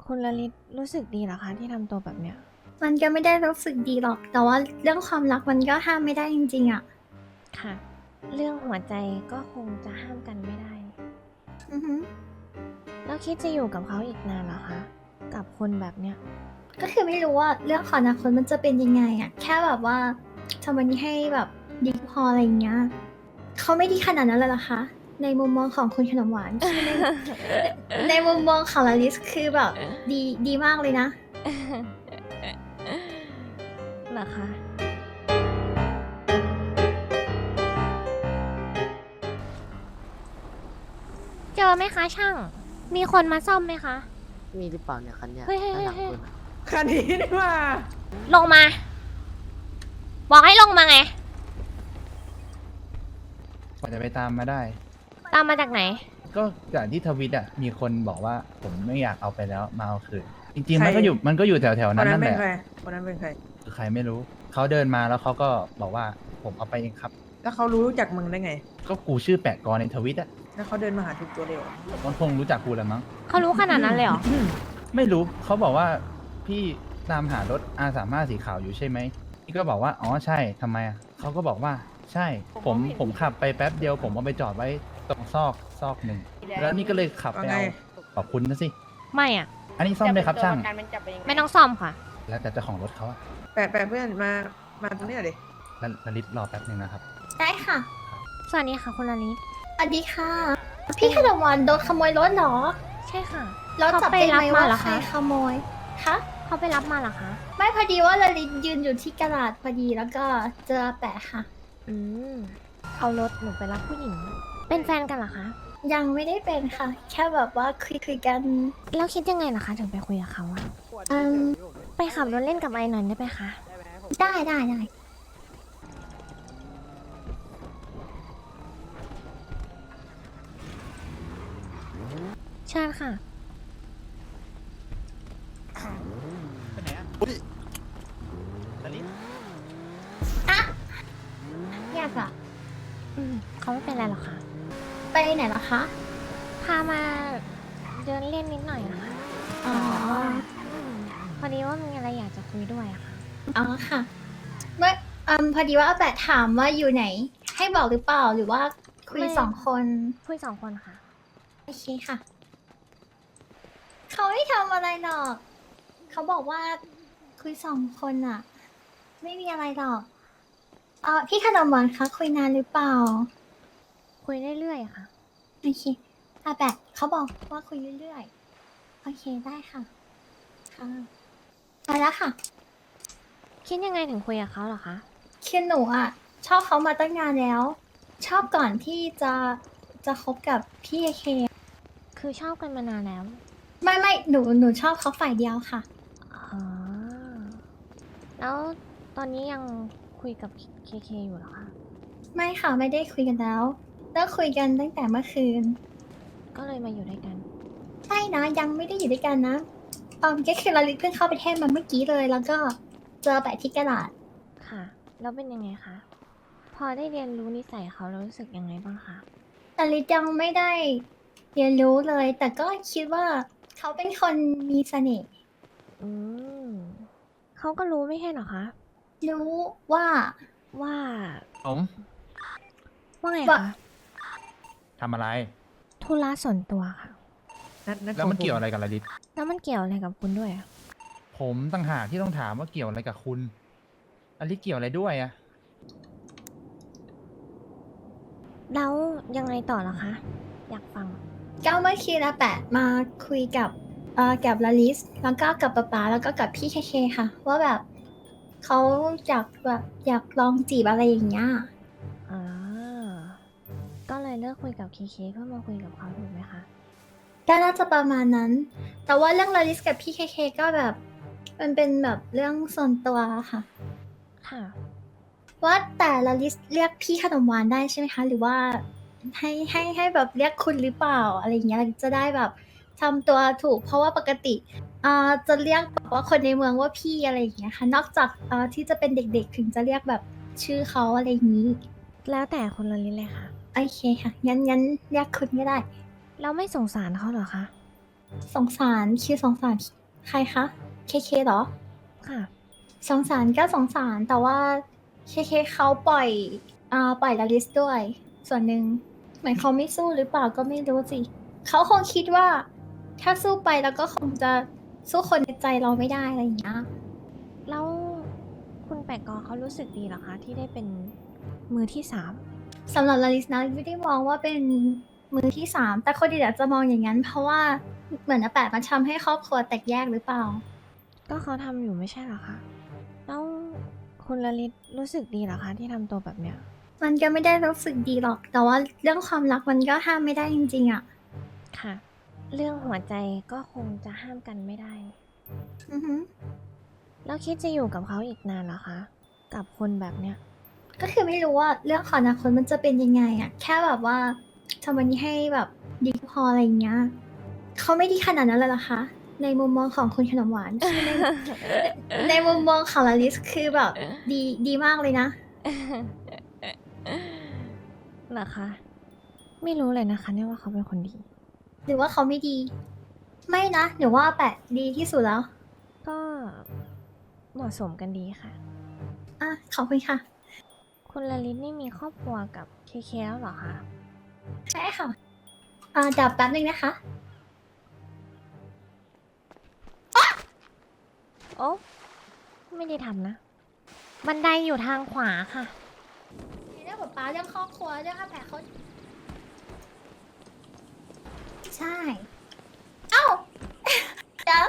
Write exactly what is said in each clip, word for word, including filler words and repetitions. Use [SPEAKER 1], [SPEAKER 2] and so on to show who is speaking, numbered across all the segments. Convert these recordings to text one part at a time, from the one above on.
[SPEAKER 1] คุณลลิตรู้สึกดีเหรอคะที่ทำตัวแบบเนี้ย
[SPEAKER 2] มันก็ไม่ได้รู้สึกดีหรอก แต่ว่าเรื่องความรักมันก็ห้ามไม่ได้จริงๆอ่ะ
[SPEAKER 1] ค่ะเรื่องหัวใจก็คงจะห้ามกันไม่ได้
[SPEAKER 2] อือฮึ
[SPEAKER 1] แล้วคิดจะอยู่กับเขาอีกนานเหรอคะกับคนแบบเนี้ย
[SPEAKER 2] ก็คือไม่รู้ว่าเรื่องของอนาคตมันจะเป็นยังไงอ่ะ แค่แบบว่าทำวันนี้ให้แบบดีพออะไรอย่างเงี้ยเขาไม่ดีขนาดนั้นเลยเหรอคะ ในมุมมองของคุณขนมหวานคือใน ในมุมมองของลาลิสคือแบบดีดีมากเลยนะ
[SPEAKER 1] เหรอคะเจอไหมคะช่างมีคนมาซ่อมไหมคะ
[SPEAKER 3] มีหรือเปล่าเนี่ยคันเนี่ย
[SPEAKER 1] เฮ้ยเฮ้ย
[SPEAKER 3] ด้านหลัง
[SPEAKER 1] เฮ้ย
[SPEAKER 3] คุณอะ
[SPEAKER 4] คันนี้นี่ว่า
[SPEAKER 1] ลงมา บอกให้ลงมาไง
[SPEAKER 5] กว่าจะไปตามมาได้
[SPEAKER 1] ตามมาจากไหน
[SPEAKER 5] ก็จากที่ทวิตอ่ะมีคนบอกว่าผมไม่อยากเอาไปแล้วมาเอาคืนจริงๆ
[SPEAKER 4] ใคร
[SPEAKER 5] มันก็อยู่มันก็อยู่แถวๆ
[SPEAKER 4] คน
[SPEAKER 5] นั้น
[SPEAKER 4] นั้
[SPEAKER 5] นั่
[SPEAKER 4] น
[SPEAKER 5] น
[SPEAKER 4] เป็
[SPEAKER 5] แห
[SPEAKER 4] น
[SPEAKER 5] ละ
[SPEAKER 4] ใครคนนั้นเป็นใคร
[SPEAKER 5] คือใครไม่รู้เขาเดินมาแล้วเขาก็บอกว่าผมเอาไปเองครับ
[SPEAKER 4] แล้วเขารู้จักมึงได้ไง
[SPEAKER 5] ก็กูชื่อแปะกรในทวิตอ่ะ
[SPEAKER 4] แล้วเขาเดินมาหาทุกตัวเลยเหรอ
[SPEAKER 5] มันคงรู้จักกูแหละมั้ง
[SPEAKER 1] เขารู้ขนาดนั้นเลยเหรอ
[SPEAKER 5] ไม่รู้เขาบอกว่าพี่ตามหารถอาสามารถสีขาวอยู่ใช่ไหมพี่ก็บอกว่าอ๋อใช่ทำไมอ่ะเขาก็บอกว่าใช่ผมผมขับไปแป๊บเดียว ผมเอาไปจอดไว้ตรงซอกซอกหนึ่งแล้วนี่ก็เลยขับไป
[SPEAKER 4] ว่าไง
[SPEAKER 5] เอาขอบคุณนะสิ
[SPEAKER 1] ไม่อ่ะ
[SPEAKER 5] อันนี้ซ่อมได้ครับช่าง
[SPEAKER 1] ไม่ต้องซ่อมค่ะ
[SPEAKER 5] แล้วแต่เจ้าของรถเขาอะ
[SPEAKER 4] แปะแปะเพื่อนมา มาตรงนี้หน่อยดิ
[SPEAKER 5] แล้วแล้วลิศรอแป๊บนึงนะครับ
[SPEAKER 2] ได้ค่ะ
[SPEAKER 1] สวัสดีค่ะคุณลลิต
[SPEAKER 2] สวัสดีค่ะ พี่ขนมหวานโดนขโมยรถเหรอ
[SPEAKER 1] ใช่ค่ะ
[SPEAKER 2] แล้วจับได้ไหม
[SPEAKER 1] เขาไปรับมา
[SPEAKER 2] ว่า
[SPEAKER 1] เหรอ
[SPEAKER 2] ใคร
[SPEAKER 1] คะ
[SPEAKER 2] ขโมย คะ
[SPEAKER 1] เขาไปรับมาเหรอคะ
[SPEAKER 2] ไม่พอดีว่าลลิตยืนอยู่ที่กระดาษพอดีแล้วก็เจอแปะค่ะ
[SPEAKER 1] อืม เอารถหนูไปรับผู้หญิง เป็นแฟนกันเหรอคะ
[SPEAKER 2] ยังไม่ได้เป็นค่ะ แค่แบบว่าคุยคุยๆกัน
[SPEAKER 1] แล้วคิดยังไงล่ะคะ ถึงไปคุยกับเขาอะ
[SPEAKER 2] อืม
[SPEAKER 1] ไปขับรถเล่นกับไอ้หน่อยได้ไหมคะ
[SPEAKER 2] ได้ได้ได้
[SPEAKER 1] เชิญค่ะ
[SPEAKER 5] ไปไหนอะอุ้ยลลิศ
[SPEAKER 2] อยากอะ
[SPEAKER 1] อืมเขาไม่เป็นไรหรอกค่ะ
[SPEAKER 2] ไปไหนล่ะคะ
[SPEAKER 1] พามาเดินเล่นนิดหน่อยอะค่ะ
[SPEAKER 2] อ๋อ
[SPEAKER 1] พอดีว่ามีอะไรอยากจะคุยด้วยอะค่ะ
[SPEAKER 2] อ๋อค่ะ เมื่ออืมพอดีว่าแปะถามว่าอยู่ไหน ให้บอกหรือเปล่าหรือว่าคุย
[SPEAKER 1] ไม่
[SPEAKER 2] สองคน
[SPEAKER 1] คุยสองคนค่ะ
[SPEAKER 2] โอเคค่ะ เขาไม่ทำอะไรหรอก เขาบอกว่าคุยสองคนอะไม่มีอะไรหรอกเออพี่ขนมหวานคะคุยนานหรือเปล่า
[SPEAKER 1] คุยเรื่อยๆค่ะ
[SPEAKER 2] โอเคอาแบะเขาบอกว่าคุยเรื่อยๆ โอเคได้ค่ะ ค่ะไปแล้วค่ะ
[SPEAKER 1] คิดยังไงถึงคุยกับเขาเหรอคะ
[SPEAKER 2] คือหนูอ่ะ ชอบเขามาตั้งนานแล้ว ชอบก่อนที่จะจะคบกับพี่เอเค
[SPEAKER 1] คือชอบกันมานานแล้ว
[SPEAKER 2] ไม่ไม่หนูหนูชอบเขาฝ่ายเดียวค่ะ
[SPEAKER 1] อ๋อ แล้วตอนนี้ยังคุยกับเคเคอยู่เหรอคะ
[SPEAKER 2] ไม่ค่ะไม่ได้คุยกันแล้วเลิกคุยกันตั้งแต่เมื่อคืน
[SPEAKER 1] ก็เลยมาอยู่ด้วยกัน
[SPEAKER 2] ใช่นะยังไม่ได้อยู่ด้วยกันนะเออก็คือเราลิเพิ่งเข้าประเทศมาเมื่อกี้เลย แล้วก็เจอแปะที่กระดาษ
[SPEAKER 1] ค่ะ แล้วเป็นยังไงคะ พอได้เรียนรู้นิสัยเขาแล้วรู้สึกยังไงบ้างคะ
[SPEAKER 2] แต่ลิยังไม่ได้เรียนรู้เลย แต่ก็คิดว่าเขาเป็นคนมีเสน่ห์
[SPEAKER 1] อืม เขาก็รู้ไม่ใช่เหรอคะ
[SPEAKER 2] รู้ว่า
[SPEAKER 1] ว่า
[SPEAKER 5] ผม
[SPEAKER 1] ว่าไง
[SPEAKER 2] ว่า
[SPEAKER 1] คะ
[SPEAKER 5] ทำอะไร
[SPEAKER 1] ธุระส่วนตัวค่ะ
[SPEAKER 4] นัดนัด
[SPEAKER 5] แล้วมัน
[SPEAKER 4] ขงผ
[SPEAKER 5] เกี่ยวอะไรกับลลิศ
[SPEAKER 1] แล้วมันเกี่ยวอะไรกับคุณด้วยอะ
[SPEAKER 5] ผมต่างหากที่ต้องถามว่าเกี่ยวอะไรกับคุณลลิศเกี่ยวอะไรด้วยอะ
[SPEAKER 1] แล้วยังไงต่อเหรอคะ อยากฟัง
[SPEAKER 2] ก็เมื่อกี้นะแปะมาคุยกับเอ่อกับลาลิส แล้วก็กับป๊าป๊าแล้วก็กับพี่เคเคค่ะ ว่าแบบเขาอยากแบบอยากลองจีบอะไรอย่างเงี้ย
[SPEAKER 1] อ่า ก็เลยเลิกคุยกับเคเคเพื่อมาคุยกับเขาถูกไหมคะ
[SPEAKER 2] ก็น่าจะประมาณนั้น แต่ว่าเรื่องลาลิสกับพี่เคเคก็แบบมันเป็นแบบเรื่องส่วนตัวค่ะ
[SPEAKER 1] ค่ะ
[SPEAKER 2] ว่าแต่ลาลิสเรียกพี่ขนมหวานได้ใช่ไหมคะ หรือว่าให้ให้ให้แบบเรียกคุณหรือเปล่าอะไรอย่างเงี้ยจะได้แบบทำตัวถูก เพราะว่าปกติอ่าจะเรียกแบบว่าคนในเมืองว่าพี่อะไรอย่างเงี้ยค่ะ นอกจากอ่าที่จะเป็นเด็กๆถึงจะเรียกแบบชื่อเขาอะไรอย่างนี้
[SPEAKER 1] แล้วแต่คนละลิ้นเลยค่ะ
[SPEAKER 2] โอเคค่ะ งั้นงั้นเรียกคุณก็ได้
[SPEAKER 1] เราไม่สงสารเขาเหรอคะ
[SPEAKER 2] สงสารคิวสงสารใครคะเคเคเหรอ
[SPEAKER 1] ค่ะ
[SPEAKER 2] สงสารก็สงสารแต่ว่าเคเคเขาปล่อยอ่าปล่อยลาลิสด้วย ส่วนหนึ่งเหมือนเขาไม่สู้หรือเปล่าก็ไม่รู้สิเขาคงคิดว่า ถ้าสู้ไปแล้วก็คงจะสู้คนในใจเราไม่ได้อะไรอย่างเงี้ย
[SPEAKER 1] แล้วคุณแปกกอเขารู้สึกดีเหรอคะ ที่ได้เป็นมือที่สาม
[SPEAKER 2] สำหรับลาลิสนะไม่ได้มองว่าเป็นมือที่สามแต่คนอื่นอาจจะมองอย่างนั้น เพราะว่าเหมือนอาแปะมันทำให้ครอบครัวแตกแยกหรือเปล่า
[SPEAKER 1] ก็เขาทำอยู่ไม่ใช่เหรอคะ แล้วคุณลลิตรู้สึกดีเหรอคะ ที่ทำตัวแบบเนี้ย
[SPEAKER 2] มันก็ไม่ได้รู้สึกดีหรอก แต่ว่าเรื่องความรักมันก็ห้ามไม่ได้จริงๆอะ
[SPEAKER 1] ค่ะ เรื่องหัวใจก็คงจะห้ามกันไม่ได้
[SPEAKER 2] อือหือ
[SPEAKER 1] แล้วคิดจะอยู่กับเขาอีกนานเหรอคะ กับคนแบบเนี้ย
[SPEAKER 2] ก็คือไม่รู้ว่าเรื่องของอนาคตมันจะเป็นยังไงอะแค่แบบว่าทำวันนี้ให้แบบดีพออะไรอย่างเงี้ยเขาไม่ดีขนาดนั้นเลยเหรอคะ ในมุมมองของคุณขนมหวานคือใน ในมุมมองของลาลิสคือแบบดีดีมากเลยนะ
[SPEAKER 1] เหรอคะ ไม่รู้เลยนะคะเนี่ยว่าเขาเป็นคนดี
[SPEAKER 2] หรือว่าเขาไม่ดี ไม่นะหนูว่าแปะดีที่สุดแล้ว
[SPEAKER 1] ก็เหมาะสมกันดีค่ะ
[SPEAKER 2] อ่ะขอบคุณค่ะ
[SPEAKER 1] คุณลลิตนี่มีครอบครัวกับเคเคแล้วเหรอคะ
[SPEAKER 2] ใช่ค่ะอ่าดับแป๊บนึงนะคะ
[SPEAKER 1] โอ้ไม่ได้ทำนะ บันไดอยู่ทางขวาค่ะ
[SPEAKER 2] เรื่องป๊าเรื่องครอบครัวเรื่องอาแปะเขาใช่ เอ้า เดี๋ยว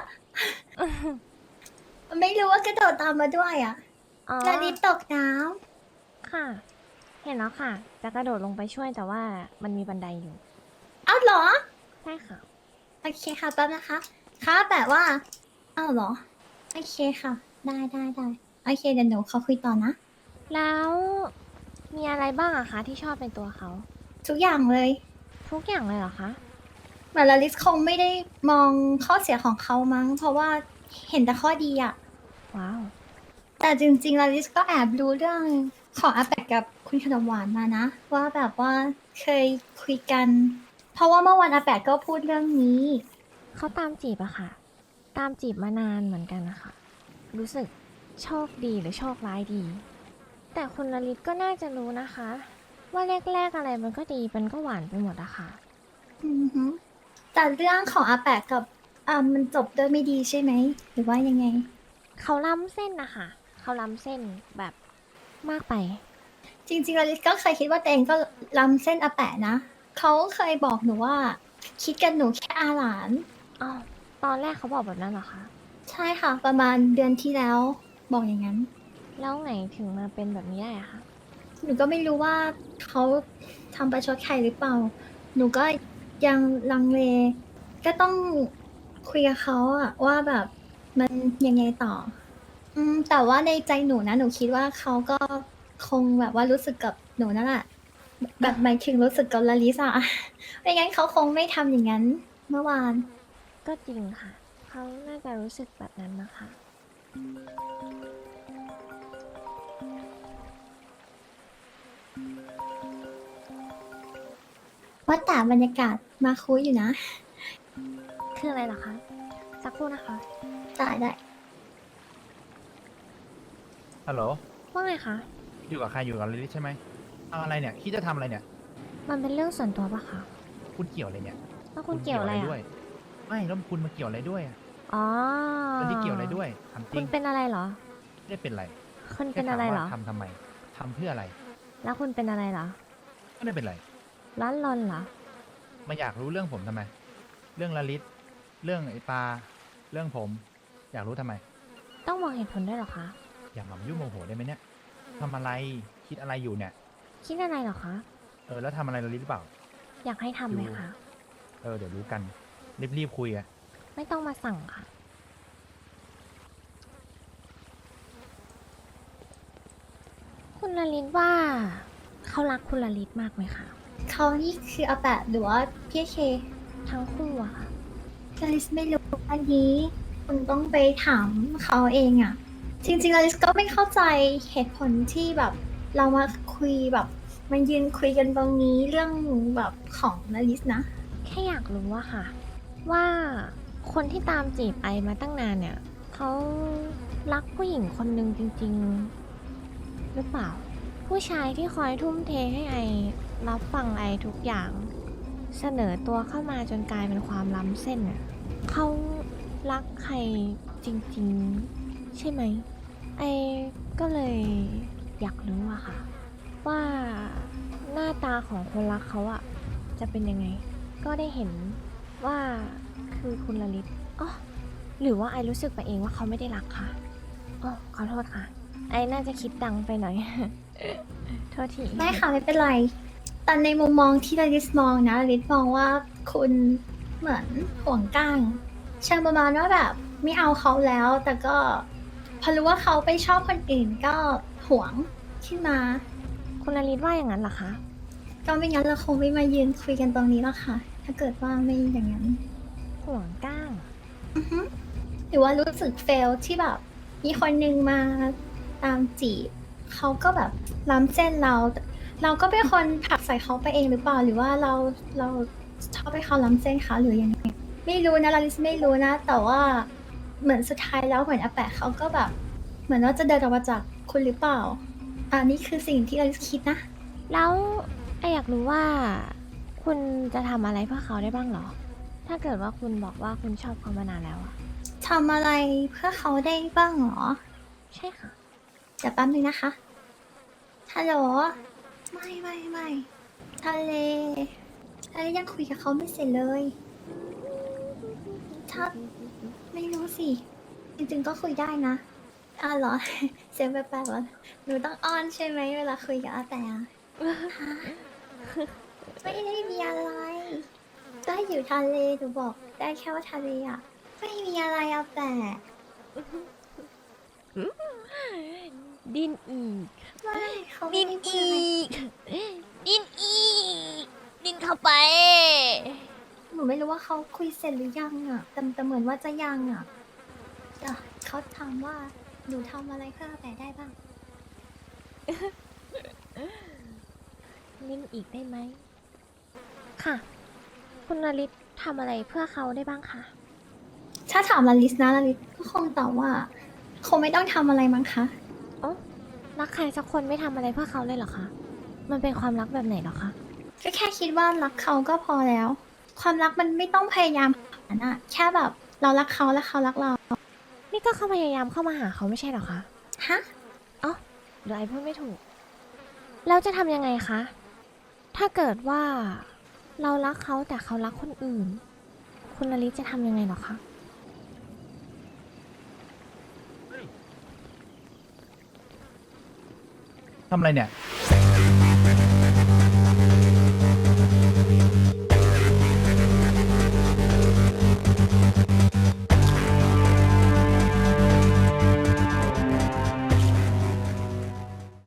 [SPEAKER 2] ไม่รู้ว่ากระโดดตามมาด้วยอ่ะ
[SPEAKER 1] อ๋อ
[SPEAKER 2] ลาลิสตกน้
[SPEAKER 1] ค่ะ เห็นแล้วค่ะ จะกระโดดลงไปช่วยแต่ว่ามันมีบันไดอยู่
[SPEAKER 2] ำเอ้าเหรอ
[SPEAKER 1] ใช่ค่ะ
[SPEAKER 2] โอเคค่ะแป๊บนะคะค่ะแปะว่า เอ้าเหรอ โอเคค่ะ ได้ได้ได้โอเคเดี๋ยวหนูเขาคุยต่อนะ
[SPEAKER 1] แล้วมีอะไรบ้างอะคะที่ชอบในตัวเขา
[SPEAKER 2] ทุกอย่างเลย
[SPEAKER 1] ทุกอย่างเลยเหรอคะ
[SPEAKER 2] เหมือนลาลิสคงไม่ได้มองข้อเสียของเขามั้ง เพราะว่าเห็นแต่ข้อดีอะ
[SPEAKER 1] ว้าว
[SPEAKER 2] แต่จริงๆลาลิสก็แอบรู้เรื่องของอาแปะกับคุณขนมหวานมานะ ว่าแบบว่าเคยคุยกัน เพราะว่าเมื่อวานอาแปะก็พูดเรื่องนี้
[SPEAKER 1] เขาตามจีบอะค่ะ ตามจีบมานานเหมือนกันนะคะ รู้สึกโชคดีหรือโชคร้ายดี แต่คุณลลิตก็น่าจะรู้นะคะ ว่าแรกๆอะไรมันก็ดีมันก็หวานไปหมดอะค่ะ
[SPEAKER 2] อือฮึแต่เรื่องของอาแปะกับอ่ามันจบด้วยไม่ดีใช่ไหม หรือว่ายังไง
[SPEAKER 1] เขาล้ำเส้นนะคะเขาล้ำเส้นแบบมากไป
[SPEAKER 2] จริงๆลาลิสก็เคยคิดว่าตัวเองก็ล้ำเส้นอาแปะนะ เขาเคยบอกหนูว่า คิดกันหนูแค่อาหลาน
[SPEAKER 1] อ้าว ตอนแรกเขาบอกแบบนั้นเหรอคะ
[SPEAKER 2] ใช่ค่ะ ประมาณเดือนที่แล้ว บอกอย่างนั้น
[SPEAKER 1] แล้วไงถึงมาเป็นแบบนี้ได้อะคะ
[SPEAKER 2] หนูก็ไม่รู้ว่าเขาทำประชดใครหรือเปล่า หนูก็ยังลังเล ก็ต้องคุยกับเขาอะว่าแบบมันยังไงต่อ อืม แต่ว่าในใจหนูนะ หนูคิดว่าเขาก็คงแบบว่ารู้สึกกับหนูนั่นแหละ แบบหมายถึงรู้สึกกับลาลิสอะ ไม่งั้นเขาคงไม่ทำอย่างนั้นเมื่อวาน
[SPEAKER 1] ก็จริงค่ะ เขาน่าจะรู้สึกแบบนั้นนะคะ
[SPEAKER 2] ว่าแต่บรรยากาศมาคุยอยู่นะ
[SPEAKER 1] คืออะไรเหรอคะ สักครู่นะคะ
[SPEAKER 2] ได้ได้
[SPEAKER 5] ฮัลโหล
[SPEAKER 1] ว่าไงคะ
[SPEAKER 5] อยู่กับใครอยู่กับลิลิใช่ไหมเอาอะไรเนี่ยคิดจะทำอะไรเนี่ย
[SPEAKER 1] มันเป็นเรื่องส่วนตัวปะคะ
[SPEAKER 5] คุณเกี่ยวอะไรเนี่ย
[SPEAKER 1] แล้วคุณเกี่ยวอะไร
[SPEAKER 5] ด้ว
[SPEAKER 1] อะ
[SPEAKER 5] ยไม่แล้วคุณมาเกี่ยวอะไรด้วยอะ
[SPEAKER 1] อ๋อ
[SPEAKER 5] แล้วที่เกี่ยวอะไรด้วยถามจ
[SPEAKER 1] คุ
[SPEAKER 5] ริ
[SPEAKER 1] ณ
[SPEAKER 5] ง
[SPEAKER 1] เป็นอะไรเหรอ
[SPEAKER 5] ไม่ได้เป็นไร
[SPEAKER 1] คุณ
[SPEAKER 5] แค่
[SPEAKER 1] เป็น
[SPEAKER 5] ถาม
[SPEAKER 1] อะไรเหรอ
[SPEAKER 5] ว่าทำทำไมทำเพื่ออะไร
[SPEAKER 1] แล้วคุณเป็นอะไรเหรอ
[SPEAKER 5] ไม่ได้เป็นไร
[SPEAKER 1] ร้อนรนเหรอ
[SPEAKER 5] มาอยากรู้เรื่องผมทำไม เรื่องลลิตเรื่องไอปลาเรื่องผม อยากรู้ทำไม
[SPEAKER 1] ต้องบอกเหตุผลด้วยเหรอคะ
[SPEAKER 5] อย่ามายุ่งโมโหได้ไหมเนี่ยทำอะไรคิดอะไรอยู่เนี่ย
[SPEAKER 1] คิดอะไรเหรอคะ
[SPEAKER 5] เออแล้วทำอะไรลลิตหรือเปล่า
[SPEAKER 1] อยากให้ทำไหมคะ
[SPEAKER 5] เออเดี๋ยวรู้กันรีบๆคุยอะ
[SPEAKER 1] ไม่ต้องมาสั่งค่ะ คุณลลิตว่า เขารักคุณลลิตมากไหมคะ
[SPEAKER 2] เขานี่คืออาแปะหรือว่าพี่เค
[SPEAKER 1] ทั้งคู่อะค่ะ
[SPEAKER 2] ลาลิสไม่รู้อันนี้คุณต้องไปถามเขาเองอะจริงๆลาลิสก็ไม่เข้าใจเหตุผลที่แบบเรามาคุยแบบมันยืนคุยกันตรงนี้เรื่องแบบของลาลิสนะ
[SPEAKER 1] แค่อยากรู้ว่าค่ะว่าคนที่ตามจีบไอมาตั้งนานเนี่ยเขารักผู้หญิงคนหนึ่งจริงๆ หรือเปล่า ผู้ชายที่คอยทุ่มเทให้ไอรับฟังไอทุกอย่าง เสนอตัวเข้ามาจนกลายเป็นความล้ำเส้นน่ะเขารักใครจริงๆ ใช่ไหม ไอก็เลยอยากรู้อะค่ะ ว่าหน้าตาของคนรักเขาอะจะเป็นยังไง ก็ได้เห็นว่าคือคุณลลิตอ๋อหรือว่าไอรู้สึกไปเองว่าเขาไม่ได้รักค่ะอ๋อขอโทษค่ะ ไอน่าจะคิดดังไปหน่อย โทษที
[SPEAKER 2] ได้ค่ะไม่เป็นไร แต่ในมุมมองที่ลาลิสมองนะลาลิสมองว่าคุณเหมือนห่วงก้างเชิงประมาณว่าแบบไม่เอาเขาแล้ว แต่ก็พอรู้ว่าเขาไปชอบคนอื่นก็ห่วงขึ้นมา
[SPEAKER 1] คุณลลิตว่าอย่างนั้นเหรอคะ
[SPEAKER 2] ก็ไม่งั้นเราคงไม่มายืนคุยกันตรงนี้หรอกค่ะ ถ้าเกิดว่าไม่อย่างนั้น
[SPEAKER 1] ห่วงก้าง
[SPEAKER 2] อือฮึหรือว่ารู้สึกเฟลที่แบบ มีคนนึงมาตามจีบเขาก็แบบล้ำเส้นเรา เราก็เป็นคนผลักใส่เขาไปเองหรือเปล่า หรือว่าเราเราชอบให้เขาล้ำเส้นคะหรือยังไงไม่รู้นะลาลิสไม่รู้นะ แต่ว่าเหมือนสุดท้ายแล้วเหมือนอาแปะเขาก็แบบ เหมือนว่าจะเดินออกมาจากคุณหรือเปล่าอันนี้คือสิ่งที่ลาลิสคิดนะ
[SPEAKER 1] แล้วไออยากรู้ว่า คุณจะทำอะไรเพื่อเขาได้บ้างเหรอ ถ้าเกิดว่าคุณบอกว่าคุณชอบเขามานานแล้วอะ
[SPEAKER 2] ทำอะไรเพื่อเขาได้บ้างเหรอ
[SPEAKER 1] ใช่ค่ะ
[SPEAKER 2] เดี๋ยวแป๊บนึงนะคะ ฮัลโหล ไม่ไม่ไม่ทะเลทะเลยังคุยกับเขาไม่เสร็จเลย ถ้าไม่รู้สิ จริงๆก็คุยได้นะอ้าวเหรอ เสียงแปลกๆเหรอหนูต้องอ้อนใช่ไหมเวลาคุยกับอาแต่อะฮะไม่ได้มีอะไร ก็อยู่ทะเลหนูบอกได้แค่ว่าทะเลอะไม่มีอะไรอาแต่
[SPEAKER 1] ดินอีก
[SPEAKER 2] ไม่เขาไม่
[SPEAKER 1] ดิน
[SPEAKER 2] ได้พูด
[SPEAKER 1] อี
[SPEAKER 2] อะไร
[SPEAKER 1] ก ดินอีก ดินเข้าไป
[SPEAKER 2] หนูไม่รู้ว่าเขาคุยเสร็จหรือยังอ่ะแต่แต่เหมือนว่าจะยังอ่ะเดี๋ยวเขาถามว่าหนูทำอะไรเพื่ออาแปะได้บ้าง
[SPEAKER 1] ดินอีกได้ไหม ค่ะ คุณนลิตทำอะไรเพื่อเขาได้บ้างคะ
[SPEAKER 2] ถ้าถามลาลิสนะลาลิสก็คงตอบว่า คงไม่ต้องทำอะไรมั้งคะ
[SPEAKER 1] อ๋อ รักใครสักคนไม่ทำอะไรเพื่อเขาเลยเหรอคะ มันเป็นความรักแบบไหนเหรอคะ
[SPEAKER 2] ก็แค่คิดว่ารักเขาก็พอแล้ว ความรักมันไม่ต้องพยายามขนาดนั้นอะแค่แบบเรารักเขาและเขารักเรา
[SPEAKER 1] นี่ก็เขาพยายามเข้ามาหาเขาไม่ใช่เหรอคะ
[SPEAKER 2] ฮะ
[SPEAKER 1] อ๋อเดี๋ยวไอพูดไม่ถูก แล้วจะทำยังไงคะ ถ้าเกิดว่าเรารักเขาแต่เขารักคนอื่น คุณลลิตจะทำยังไงเหรอคะ
[SPEAKER 5] ทำอะไรเนี่ย